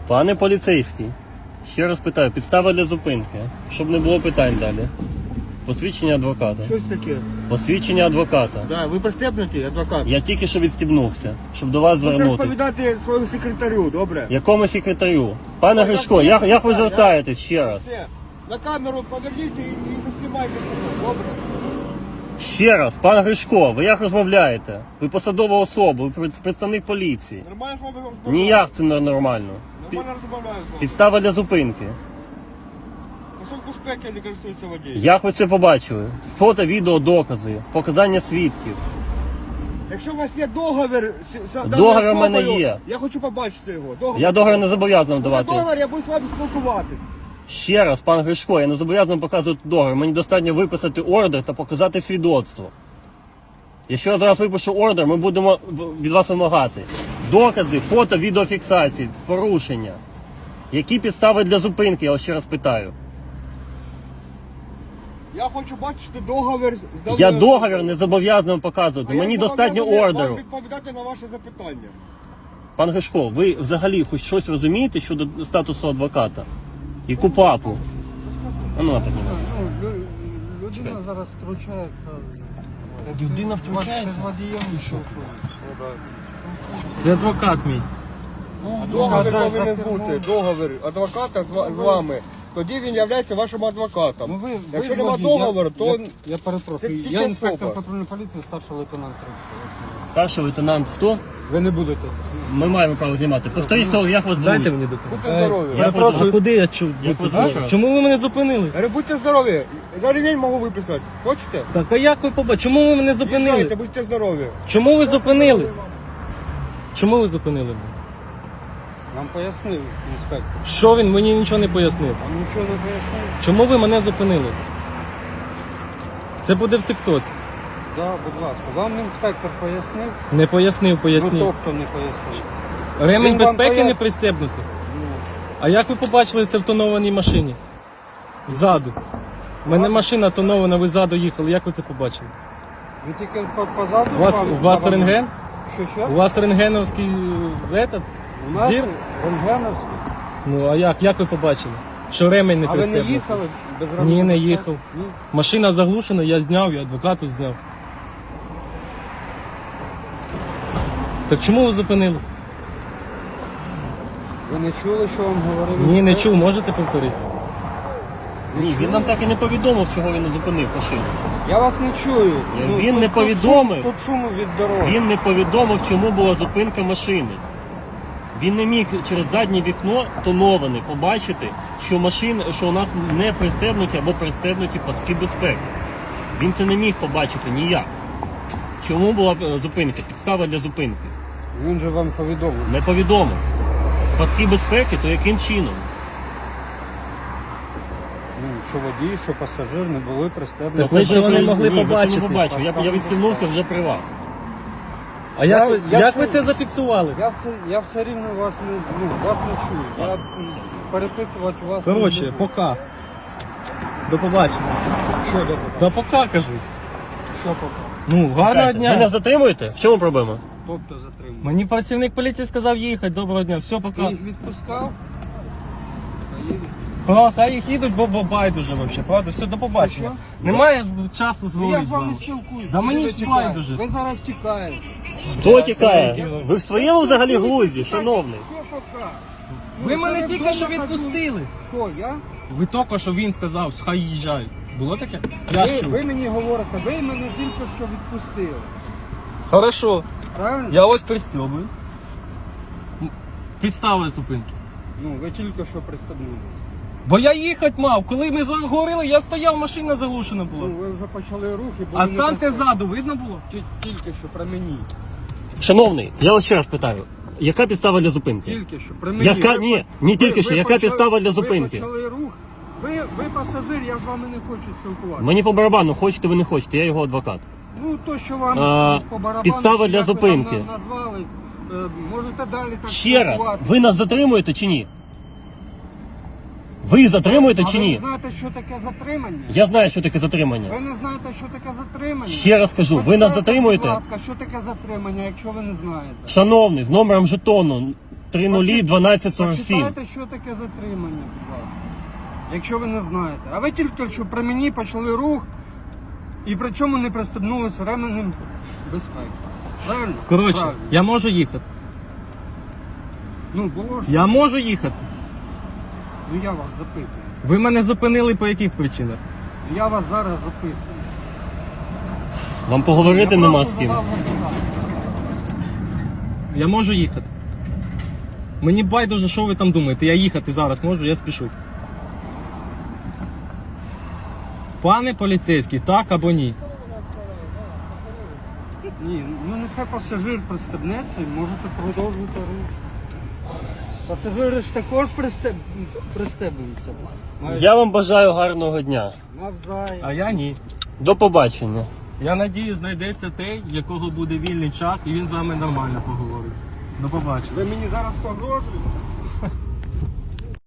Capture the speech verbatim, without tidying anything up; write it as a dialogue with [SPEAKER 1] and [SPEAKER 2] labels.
[SPEAKER 1] Пане поліцейський, ще раз питаю, підстава для зупинки, щоб не було питань далі. Посвідчення адвоката.
[SPEAKER 2] Щось таке.
[SPEAKER 1] Посвідчення адвоката.
[SPEAKER 2] Да, ви пристебнуті, адвокат?
[SPEAKER 1] Я тільки що відстібнувся, щоб до вас
[SPEAKER 2] Будете
[SPEAKER 1] звернути.
[SPEAKER 2] розповідати своєму секретарю, добре?
[SPEAKER 1] Якому секретарю? Пане
[SPEAKER 2] Ну,
[SPEAKER 1] Гришко,
[SPEAKER 2] як
[SPEAKER 1] як, як ви
[SPEAKER 2] секретар,
[SPEAKER 1] звертаєтесь ще раз?
[SPEAKER 2] Все. На камеру поверніться і, і заснімайте себе, добре?
[SPEAKER 1] Ще раз, пане Гришко, ви як розмовляєте? Ви посадова особа, ви пред- представник поліції.
[SPEAKER 2] Нормально з вами розмовляю?
[SPEAKER 1] Ніяк це не нормально. Пі-
[SPEAKER 2] Нормально розмовляю з вами.
[SPEAKER 1] Підстава для зупинки.
[SPEAKER 2] Пасок безпеки не користується водієм.
[SPEAKER 1] Як ви це побачили? Фото, відео, докази, показання свідків.
[SPEAKER 2] Якщо у вас є договір з з даною
[SPEAKER 1] Договір в мене
[SPEAKER 2] особою,
[SPEAKER 1] є.
[SPEAKER 2] Я хочу побачити його. Договір.
[SPEAKER 1] Я договір не зобов'язаний
[SPEAKER 2] Буде
[SPEAKER 1] давати.
[SPEAKER 2] договір, я буду з вами спілкуватись.
[SPEAKER 1] Ще раз, пан Гришко, я не зобов'язаний показувати договір. Мені достатньо виписати ордер та показати свідоцтво. Якщо я зараз випишу ордер, ми будемо від вас вимагати докази, фото, відеофіксації, порушення. Які підстави для зупинки, я вас ще раз питаю.
[SPEAKER 2] Я хочу бачити договір з даною
[SPEAKER 1] Я
[SPEAKER 2] особою.
[SPEAKER 1] договір не зобов'язаний вам показувати.
[SPEAKER 2] А я
[SPEAKER 1] Мені достатньо
[SPEAKER 2] зобов'язаний
[SPEAKER 1] ордеру.
[SPEAKER 2] вам відповідати на ваше запитання.
[SPEAKER 1] Пан Гришко, ви взагалі хоч щось розумієте щодо статусу адвоката? І КУПАПу? А ну, напевно.
[SPEAKER 3] Ну, лю- людина зараз втручається.
[SPEAKER 1] Людина
[SPEAKER 3] Ваш
[SPEAKER 1] втручається?
[SPEAKER 3] з водієм що?
[SPEAKER 1] Це адвокат мій.
[SPEAKER 2] Договір
[SPEAKER 3] за-
[SPEAKER 2] повинен
[SPEAKER 3] за
[SPEAKER 2] бути.
[SPEAKER 3] кермом.
[SPEAKER 2] Договір адвоката з, ва- з вами. Тоді він є вашим адвокатом.
[SPEAKER 3] Ну, ви,
[SPEAKER 2] Якщо
[SPEAKER 3] ви
[SPEAKER 2] нема
[SPEAKER 3] водій,
[SPEAKER 2] договору,
[SPEAKER 3] я,
[SPEAKER 2] то
[SPEAKER 3] Я, я перепрошую.
[SPEAKER 2] Це тільки
[SPEAKER 3] Я інспектор
[SPEAKER 2] особа.
[SPEAKER 3] патрульної поліції, старший лейтенант Кравцов.
[SPEAKER 1] Старший лейтенант хто?
[SPEAKER 3] Ви не будете.
[SPEAKER 1] Ми маємо право знімати. Повторіть, хто, як вас звуть?
[SPEAKER 4] Дайте мені документ.
[SPEAKER 2] будьте здорові.
[SPEAKER 1] Я
[SPEAKER 4] А
[SPEAKER 1] прошу.
[SPEAKER 4] куди я чу?
[SPEAKER 1] Як ви
[SPEAKER 4] А?
[SPEAKER 1] звуть?
[SPEAKER 4] Чому ви мене зупинили?
[SPEAKER 2] Я говорю, будьте здорові. За ремень можу виписати. Хочете?
[SPEAKER 4] Так, а як ви побачили? Чому ви мене
[SPEAKER 2] Їжджайте,
[SPEAKER 4] зупинили?
[SPEAKER 2] будьте здорові.
[SPEAKER 4] Чому ви зупинили? Чому ви зупинили мене?
[SPEAKER 3] Нам пояснив інспектор.
[SPEAKER 4] Що він мені нічого не пояснив?
[SPEAKER 3] Вам нічого не пояснив?
[SPEAKER 4] Чому ви мене зупинили? Це буде в тиктоці.
[SPEAKER 3] Да, будь ласка. Вам інспектор пояснив?
[SPEAKER 4] Не пояснив,
[SPEAKER 3] Ну,
[SPEAKER 4] пояснив.
[SPEAKER 3] тобто не пояснив.
[SPEAKER 4] Ремень
[SPEAKER 3] він вам
[SPEAKER 4] безпеки
[SPEAKER 3] пояс-
[SPEAKER 4] не пристебнутий.
[SPEAKER 3] Ну,
[SPEAKER 4] А як ви побачили це в тонованій машині? Ззаду. У мене машина тонована, ви ззаду їхали. Як ви це побачили?
[SPEAKER 3] ви тільки по- позаду.
[SPEAKER 4] У вас,
[SPEAKER 3] вам-
[SPEAKER 4] у вас
[SPEAKER 3] вам-
[SPEAKER 4] рентген?
[SPEAKER 3] Що, що?
[SPEAKER 4] У вас рентгеновський е, этот?
[SPEAKER 3] У нас
[SPEAKER 4] зір?
[SPEAKER 3] рентгеновський.
[SPEAKER 4] Ну а як? Як ви побачили? Що ремень не
[SPEAKER 3] А ви не
[SPEAKER 4] пристебнутий?
[SPEAKER 3] їхали без
[SPEAKER 4] Ні,
[SPEAKER 3] ремня
[SPEAKER 4] не
[SPEAKER 3] безпеки?
[SPEAKER 4] їхав.
[SPEAKER 3] Ні.
[SPEAKER 4] Машина заглушена, я зняв, я адвокату зняв. Так чому ви зупинили?
[SPEAKER 3] Ви не чули, що вам говорив?
[SPEAKER 4] Ні, не
[SPEAKER 3] інспектор?
[SPEAKER 4] чув, можете повторити?
[SPEAKER 1] Ні, він нам так і не повідомив, чого він не зупинив машину.
[SPEAKER 3] Я вас не чую.
[SPEAKER 1] Ні, він
[SPEAKER 3] тут-
[SPEAKER 1] не
[SPEAKER 3] тут
[SPEAKER 1] повідомив.
[SPEAKER 3] шум- Тут шуму від дороги.
[SPEAKER 1] Він не повідомив, чому була зупинка машини. Він не міг через заднє вікно тоноване побачити, що машина, що у нас не пристебнуті або пристебнуті паски безпеки. Він це не міг побачити ніяк. Чому була е, зупинка? Підстава для зупинки.
[SPEAKER 3] Він же вам повідомив.
[SPEAKER 1] Не повідомив. Паски безпеки, то яким чином?
[SPEAKER 3] Ну, що водій, що пасажир не були пристебнуті.
[SPEAKER 4] Так ви цього не могли
[SPEAKER 1] Ні, ви це
[SPEAKER 4] побачити.
[SPEAKER 1] не побачив. Я, я відстігнувся вже при вас.
[SPEAKER 4] А як,
[SPEAKER 3] Я-
[SPEAKER 4] ви,
[SPEAKER 3] я
[SPEAKER 4] як
[SPEAKER 3] це-
[SPEAKER 4] ви це зафіксували?
[SPEAKER 3] Я все, я все рівно вас не, ну, вас не чую. Я м, перепитувати вас не
[SPEAKER 4] Коротше,
[SPEAKER 3] буду.
[SPEAKER 4] пока. До побачення.
[SPEAKER 3] Що до
[SPEAKER 4] Та пока кажу.
[SPEAKER 3] Що поки?
[SPEAKER 4] Ну, гарного
[SPEAKER 1] Чекайте,
[SPEAKER 4] дня.
[SPEAKER 1] ви нас затримуєте? В чому проблема?
[SPEAKER 3] Тобто затримав.
[SPEAKER 4] Мені працівник поліції сказав їхати. Доброго дня. Все,
[SPEAKER 3] Ти
[SPEAKER 4] пока.
[SPEAKER 3] їх відпускав? А їх-
[SPEAKER 4] О, хай їх їдуть, бо бо байдуже взагалі, правда? Все, до побачення.
[SPEAKER 3] Що?
[SPEAKER 4] Немає часу
[SPEAKER 3] Ну, я
[SPEAKER 4] зговорити
[SPEAKER 3] з
[SPEAKER 4] з
[SPEAKER 3] вами
[SPEAKER 4] вами.
[SPEAKER 3] спілкуюсь.
[SPEAKER 4] Да
[SPEAKER 3] Куди
[SPEAKER 4] мені
[SPEAKER 3] ви
[SPEAKER 4] все
[SPEAKER 3] тікаєте?
[SPEAKER 4] байдуже.
[SPEAKER 3] Ви зараз тікаєте.
[SPEAKER 1] Хто тікає? Ви в своєму взагалі глузді, шановний?
[SPEAKER 3] Все пока.
[SPEAKER 4] Ви
[SPEAKER 3] Ну,
[SPEAKER 4] мене
[SPEAKER 3] це
[SPEAKER 4] тільки
[SPEAKER 3] не
[SPEAKER 4] що
[SPEAKER 3] вдома,
[SPEAKER 4] відпустили.
[SPEAKER 3] Хто, я?
[SPEAKER 4] Ви тільки що він сказав, хай їжджають. Було таке? Я ж
[SPEAKER 3] Ви,
[SPEAKER 4] чув.
[SPEAKER 3] ви мені говорите, ви мене тільки що відпустили.
[SPEAKER 4] Хорошо.
[SPEAKER 3] Правильно?
[SPEAKER 4] Я ось пристьобую. Підставили зупинки.
[SPEAKER 3] Ну, ви тільки що пристебнулися.
[SPEAKER 4] Бо я їхати мав. Коли ми з вами говорили, я стояв, машина заглушена
[SPEAKER 3] Ну,
[SPEAKER 4] була.
[SPEAKER 3] ви вже почали рухи, бо
[SPEAKER 4] А
[SPEAKER 3] ви не
[SPEAKER 4] станьте
[SPEAKER 3] пристеб-
[SPEAKER 4] ззаду, видно було?
[SPEAKER 3] Ті- Тільки що при мені.
[SPEAKER 1] Шановний, я вас ще раз питаю, яка підстава для зупинки?
[SPEAKER 3] Тільки що при мені.
[SPEAKER 1] Яка
[SPEAKER 3] Ви-
[SPEAKER 1] ні, не тільки
[SPEAKER 3] ви-
[SPEAKER 1] що,
[SPEAKER 3] ви
[SPEAKER 1] яка
[SPEAKER 3] почали-
[SPEAKER 1] підстава для зупинки?
[SPEAKER 3] Ви почали рух. Ви, ви пасажир, я з вами не хочу спілкуватися.
[SPEAKER 1] Мені по барабану, хочете ви не хочете, я його адвокат.
[SPEAKER 3] Ну, то, що вам
[SPEAKER 1] А,
[SPEAKER 3] по барабану,
[SPEAKER 1] підстава
[SPEAKER 3] чи
[SPEAKER 1] для
[SPEAKER 3] як ви
[SPEAKER 1] зупинки.
[SPEAKER 3] там на- назвали, е, можете далі так
[SPEAKER 1] Ще раз,
[SPEAKER 3] спілкуватися.
[SPEAKER 1] ви нас затримуєте чи ні? Ви затримуєте
[SPEAKER 3] А
[SPEAKER 1] чи
[SPEAKER 3] ви
[SPEAKER 1] ні?
[SPEAKER 3] знаєте, що таке затримання?
[SPEAKER 1] Я знаю, що таке затримання.
[SPEAKER 3] Ви не знаєте, що таке затримання?
[SPEAKER 1] Ще раз кажу, ви нас
[SPEAKER 3] Почитайте,
[SPEAKER 1] затримуєте?
[SPEAKER 3] Будь ласка, що таке затримання, якщо ви не знаєте?
[SPEAKER 1] Шановний, з номером жетону три нулі дванадцять сорок сім.
[SPEAKER 3] Почитайте, що таке затримання, будь ласка. Якщо ви не знаєте. А ви тільки що при мені почали рух і при цьому не пристебнулися ременем безпеки. Правильно?
[SPEAKER 4] Коротше,
[SPEAKER 3] Правильно.
[SPEAKER 4] я можу їхати.
[SPEAKER 3] Ну, було ж.
[SPEAKER 4] Я можу їхати.
[SPEAKER 3] Ну я вас запитую.
[SPEAKER 4] Ви мене зупинили по яких причинах?
[SPEAKER 3] Я вас зараз запитую.
[SPEAKER 1] Вам поговорити
[SPEAKER 3] Я
[SPEAKER 1] нема
[SPEAKER 3] просто
[SPEAKER 1] з ким.
[SPEAKER 3] задав запитання.
[SPEAKER 4] Я можу їхати. Мені байдуже, що ви там думаєте. Я їхати зараз можу, я спішу. Пане поліцейський, так або ні?
[SPEAKER 3] Ні, ну нехай пасажир пристебнеться і можете продовжувати рух. Пасажири ж також пристеб... пристебнуться. Мають
[SPEAKER 1] Я вам бажаю гарного дня.
[SPEAKER 3] навзаєм.
[SPEAKER 4] А я ні.
[SPEAKER 1] До побачення.
[SPEAKER 4] Я надію, знайдеться той, в якого буде вільний час, і він з вами нормально поговорить. До побачення.
[SPEAKER 3] Ви мені зараз погрожуєте?